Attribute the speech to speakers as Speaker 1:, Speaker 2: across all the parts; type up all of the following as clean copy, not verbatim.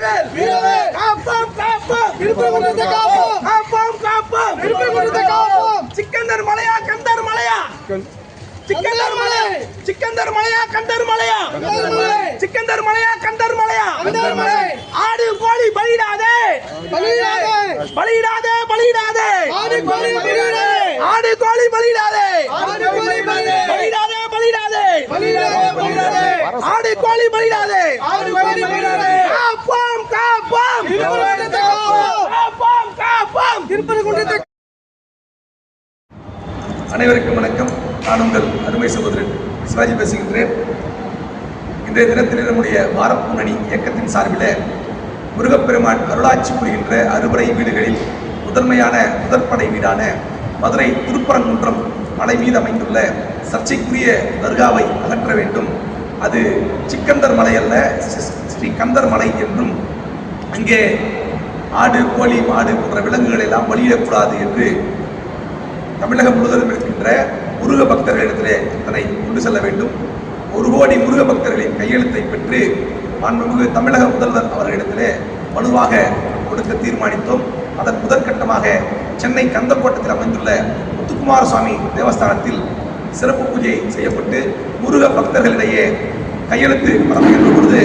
Speaker 1: வெற்றிவேல் வீரவேல் காப்போம் காப்போம் திருப்பரங்குன்றத்தை காப்போம் காப்போம் காப்போம் திருப்பரங்குன்றத்தை காப்போம். சிக்கந்தர் மலையா கந்தர் மலையா சிக்கந்தர் மலை சிக்கந்தர் மலையா கந்தர் மலையா சிக்கந்தர் மலையா கந்தர் மலையா ஆடு கோழி பலியிடாதே பலியிடாதே பலியிடாதே பலியிடாதே ஆடு கோழி பலியிடாதே ஆடு கோழி பலியிடாதே ஆடு கோழி பலியிடாதே பலியிடாதே பலியிடாதே பலியிடாதே ஆடு கோழி பலியிடாதே ஆடு கோழி பலியிடாதே. காப்போம் காப்போம் திருப்பரங்குன்றத்தை காப்போம் காப்போம் காப்போம் திருப்பரங்குன்றத்தை.
Speaker 2: அனைவருக்கும் வணக்கம். நான் உங்கள் அருமை சகோதரன் சிவாஜி பேசுகின்றேன். இன்றைய தினத்தில் நம்முடைய வாரம் முன்னணி இயக்கத்தின் சார்பில் முருகப்பெருமான் அருளாட்சி புரிகின்ற அறுபடை வீடுகளில் முதற்படை வீடான மதுரை திருப்பரங்குன்றம் மலை மீது அமைந்துள்ள சர்ச்சைக்குரிய தர்காவை அகற்ற வேண்டும். அது சிக்கந்தர் மலை அல்ல, ஸ்ரீ கந்தர் மலை என்றும் அங்கே ஆடு கோழி மாடு போன்ற விலங்குகள் எல்லாம் பலியிடக்கூடாது என்று தமிழகம் முழுவதும் இருக்கின்ற முருக பக்தர்களிடத்திலே இதனை கொண்டு செல்ல வேண்டும். 1 கோடி முருக பக்தர்களின் கையெழுத்தை பெற்று மாண்புமிகு தமிழக முதல்வர் அவர்களிடத்திலே மனுவாக கொடுக்க தீர்மானித்தோம். அதன் முதற்கட்டமாக சென்னை கந்தக்கோட்டத்தில் அமைந்துள்ள முத்துக்குமார சுவாமி தேவஸ்தானத்தில் சிறப்பு பூஜை செய்யப்பட்டு முருக பக்தர்களிடையே கையெழுத்து பரப்புகின்ற பொழுது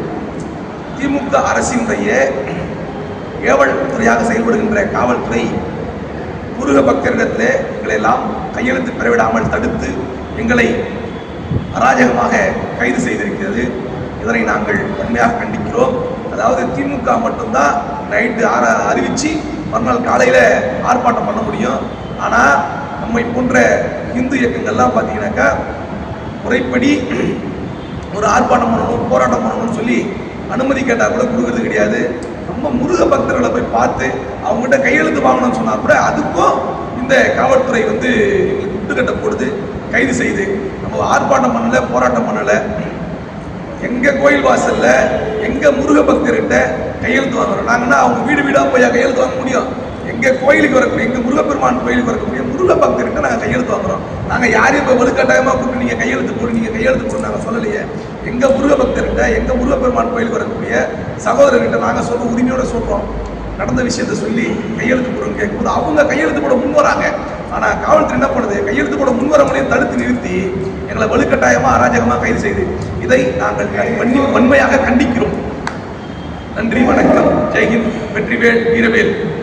Speaker 2: திமுக அரசினுடைய ஏவல் துறையாக செயல்படுகின்ற காவல்துறை முருக பக்தரிடத்திலே எங்களை எல்லாம் கையெழுத்து பெறவிடாமல் தடுத்து எங்களை அராஜகமாக கைது செய்திருக்கிறது. இதனை நாங்கள் வன்மையாக கண்டிக்கிறோம். அதாவது திமுக மட்டும்தான் நைட்டு அறிவித்து மறுநாள் காலையில் ஆர்ப்பாட்டம் பண்ண முடியும். ஆனால் நம்மை போன்ற இந்து இயக்கங்கள்லாம் பார்த்தீங்கன்னாக்கா முறைப்படி ஒரு ஆர்ப்பாட்டம் பண்ணணும் போராட்டம் பண்ணணும்னு சொல்லி அனுமதி கேட்டால் கூட கொடுக்கறது கிடையாது. நம்ம முருக பக்தர்களை போய் பார்த்து அவங்ககிட்ட கையெழுத்து வாங்கணும்னு சொன்னால் கூட அதுக்கும் இந்த காவல்துறை எங்களுக்கு குட்டுக்கட்டை போடுது, கைது செய்து. நம்ம ஆர்ப்பாட்டம் பண்ணலை, போராட்டம் பண்ணலை. எங்கள் கோயில் வாசலில் எங்கள் முருக பக்தர்கிட்ட கையெழுத்து வாங்குறோம். நாங்கன்னா அவங்க வீடு வீடாக போய் கையெழுத்து வாங்க முடியும். எங்கள் கோயிலுக்கு வரக்கூடிய எங்கள் முருகப்பெருமான் கோயிலுக்கு வரக்கூடிய முருக பக்தர்கிட்ட நாங்கள் கையெழுத்து வாங்குறோம். நாங்கள் யாரையும் இப்போ வலுக்கட்டாயமாக கூப்பிட்டு நீங்கள் கையெழுத்து போடு நாங்கள் சொல்லலையே. எங்கள் முருக பக்தர்கிட்ட எங்கள் முருகப்பெருமான் கோயிலுக்கு வரக்கூடிய சகோதரர்கிட்ட நாங்கள் சொல்ல உரிமையோடு சொல்கிறோம். நடந்த விஷயத்தை சொல்லி கையெழுத்து போடுறோம் கேட்கும்போது அவங்க கையெழுத்து போட முன் வராங்க. ஆனால் காவல்துறை என்ன பண்ணுது, கையெழுத்து போட முன்வரவங்களையும் தடுத்து நிறுத்தி எங்களை வலுக்கட்டாயமாக அராஜகமாக கைது செய்து இதை நாங்கள் வன்மையாக கண்டிக்கிறோம். நன்றி, வணக்கம், ஜெய்ஹிந்த், வெற்றிவேல் வீரவேல்.